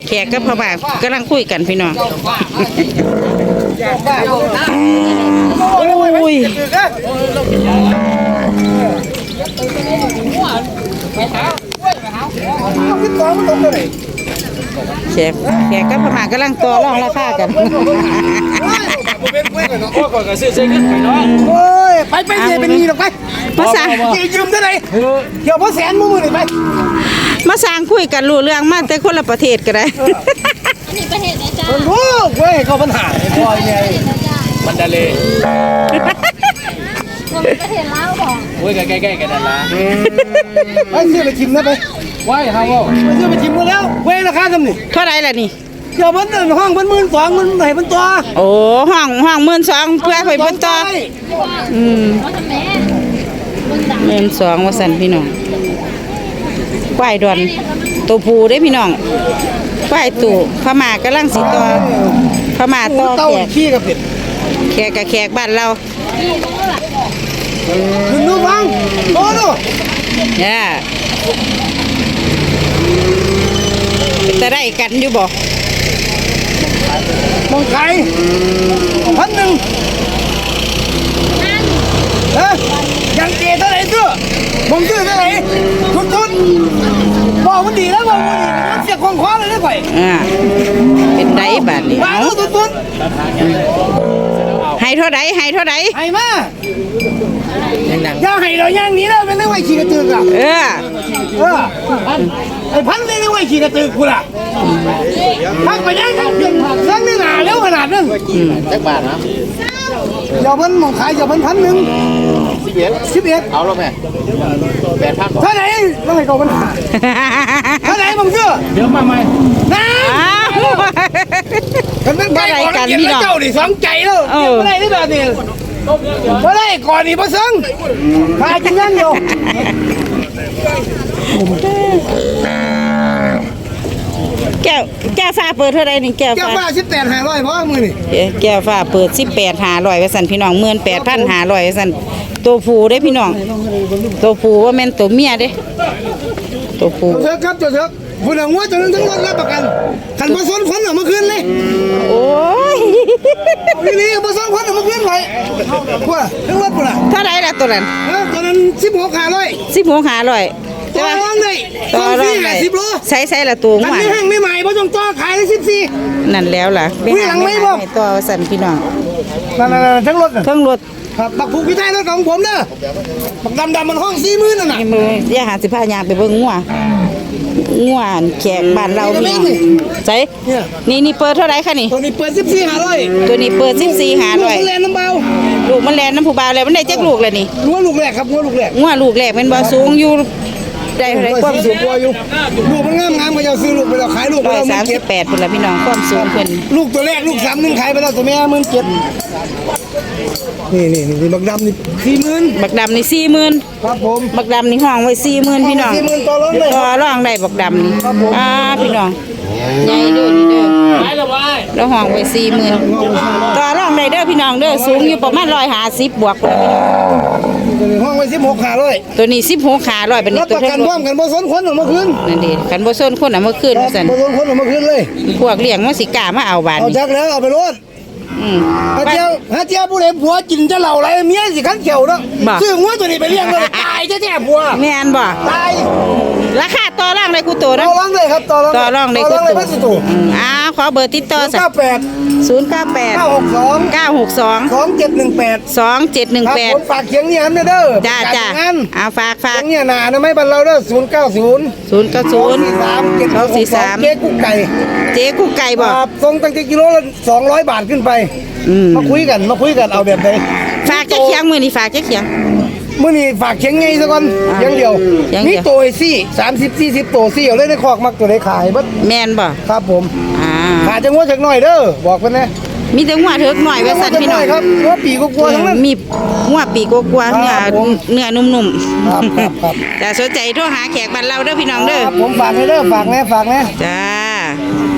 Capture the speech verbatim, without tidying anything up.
แขกกับพ่อบ้านกำลังคุยกันพี่น้องโอ้ยแขกแขกกับพ่อบ้านกำลังต่อรองราคากันโอ้ยไปไปเดี๋ยวเป็นนี่หรอกไปมาสั่งยืมเท่าไหร่เดี๋ยวพ่อแสนมือมือเลยไปมาสั่งคุยกันรู้เรื่องมาแต่คนละประเทศก็ได้นี่ประเทศไหนจ้าโอ้เว้ยเขาปัญหาพอยไงมันดาเลประเทศลาวบอกโอ้ยใกล้ๆกันนั่นละไปซื้อไปชิมนะไปว้ายฮาวไปซื้อไปชิมมาแล้วเว้ยราคาทำนี่เท่าไรล่ะนี่เดี๋ยวมันห้องมันหมื่นสองมันไหนมันตัวโอ้ห้องห้องหมื่นสองเพื่อไปบนต่ออืมหมื่นสองว่าสันพี่น้องควายดอนตัวผูได้พี่น้องควายตู่พม่ากำลังสีต่อพม่าต่อแขกขี้กับเป็ดแขกกับแขกบ้านเราคุณดูฟังโอ้ดูเนี่ยจะได้กันอยู่บ่มองไก่พันหนึ่งเฮ้ยยังเกเท่าไหร่ตัวมองชื่อเท่าไหร่ทุนทุนบอกมันดีแล้วบอกมันดีมันเสียของคว้าเลยได้ไปอ่าเป็นไดบาทนี่มาดูทุนทุนให้เท่าไรให้เท่าไรให้มาย่าให้เราย่างนี้แล้วเป็นเรื่องไว้ขี่กระตือกอ่ะเออเออไอ้พันเป็นเรื่องไว้ขี่กระตือกูล่ะพักไปย่างทั้งเดือนทั้งเนื้อหนาแล้วขนาดนึงจักบาทนะเดี๋ยวมันมองขายเดี๋ยวมันพันหนึ่งสิบเอ็ดสิบเอ็ดเอาแล้วแม่แปดพันเท่าไหร่ต้องให้เขาปัญหาเท่าไหร่มึงเชื่อเดี๋ยวมาใหม่น้ามันเป็นไก่กันพี่น้องเจ้าดิสองใจแล้วไม่ได้ได้แบบนี้ไม่ได้ก่อนนี่มาซึ่งขายกินยังอยู่แก้วแก้วฟ้าเปิดเท่าไรนี่แก้วฟ้าแก้วฟ้าสิบแปดห้าร้อยเพราะมือนี่แก้วฟ้าเปิดสิบแปดห้าร้อยไว้สั่นพี่น้องหมื่นแปดพันห้าร้อยไว้สั่นตัวผู้ได้พี่น้องตัวผู้ว่าแม่นตัวเมียเด้ตัวผู้เถอะครับเถอะผู้หญิงว่าจะนั้นทั้งรถรับประกันขันผสมคนออกมาคืนเลยโอ้ยนี่นี่ผสมคนออกมาคืนไปว่าทั้งรถปุ่นอ่ะเท่าไรล่ะตัวนั้นตัวนั้นสิบหกห้าร้อยสิบหกห้าร้อยต่อรองเลยต่อสี่ห้าสิบโลใส่ใส่ละตัวงวไม่แห้งไม่ใหม่เพราะต้องต่อขายได้สิบสี่นั่นแล้วล่ะไม่หลังไม่บอกต่อสั่นพี่น้องนั่นๆทั้งรถทั้งรถครับบักผูกพิไทยรถของผมเด้อบักดำดำมันห้องสี่หมื่นนั่นน่ะมือย่าหาสิบห้ายางไปเบิ่งงัวงัวแขกบ้านเรานี่ใช่นี่นี่เปิดเท่าไรคะนี่ตัวนี้เปิดสิบสี่ห้าร้อยตัวนี้เปิดสิบสี่ห้าร้อยลูกมันแลนน้ำเบาลูกมันแลนน้ำผู้เบาเลยมันได้จักลูกเลยนี่งัวลูกแรกครับงัวลูกแรกงัวลูกแรกเป็นบ่สูงอยู่ได้เท่าไรความสูงกว่าอยู่ลูกมันงามงามก็จะซื้อลูกไปแล้วขายลูกไปแล้วสามสิบแปดเป็นละพี่น้องความสูงเพิ่นลูกตัวแรกลูกสามหนึ่งขายไปแล้วตัวแม่หมื่นเจ็ดนี่นี่นี่บักดำนี่สี่หมื่นบักดำนี่สี่หมื่นครับผมบักดำนี่ห้องไว้สี่หมื่นพี่น้องสี่หมื่นต่อรองได้ต่อรองได้บักดำนี่อ่าพี่น้องใหญ่เด้อนี่เด้อแล้วห้องไว้สี่หมื่นต่อรองได้เด้อพี่น้องเด้อสูงอยู่ประมาณร้อยห้าสิบบวกเลยห้องไว้สิบหกขาร้อยตัวนี้สิบหกขาร้อยเป็นตัวกันพร้อมกันบ่สนคนออกมาคืนนั่นดิกันบ่สนคนออกมาคืนสั่นบ่สนคนออกมาคืนเลยพวกเลี้ยงมันสิกล้ามาเอาบาดเอาจักแล้วเอาไปรถฮะเจ้าฮะเจ้าผู้เลี้ยงผัวกินจะเหล่าอะไรเมียสิขันเขียวเนาะซื้องัวตัวนี้ไปเลี้ยงเลยตายแท้ๆผัวแม่นบ่ตายราคาต่อรองได้กูโตนะต่อรองได้ครับต่อรองต่อรองได้กูโตอ้าวขอเบอร์ติดต่อสักศูนย์เก้าแปด เก้าหกสอง เก้าหกสองสองเจ็ดหนึ่งแปดสองเจ็ดหนึ่งแปดฝากเขียงเนี่ยเด้อจ้าจ้าเอาฝากฝากเนี่ยหนานะไม่บันเราเด้อศูนย์เก้าศูนย์ศูนย์เก้าศูนย์สามเจ็ดสี่สามเจ๊กุ๊กไก่เจ๊กุ๊กไก่บอกส่งตั้งแต่กิโลละสองร้อยบาทขึ้นไปมาคุยกันมาคุยกันเอาแบบไหนฝากเจ๊เขียงมือนี่ฝากเจ๊เขียงมื่อนี้ฝากเชียงไงซะก่อนยังเดียวนี่โตซี่สามสิบสี่สิบโตซี่เอาเลยในคอกมักตัวได้ขายบัดแม่นบ่ครับผมอ่าขาจะงัวจักหน่อยเด้อบอกเพิ่นนะมีแต่งัวเถิกหน่อยไว้สั่นพี่น้องครับงัวปีกกลัวทั้งนั้นมีงัวปีกกลัวเนื้อเนื้อนุ่มๆครับครับแต่สนใจโทรหาแขกบ้านเราเด้อพี่น้องเด้อผมฝากให้เด้อฝากแน่ฝากแน่จ้า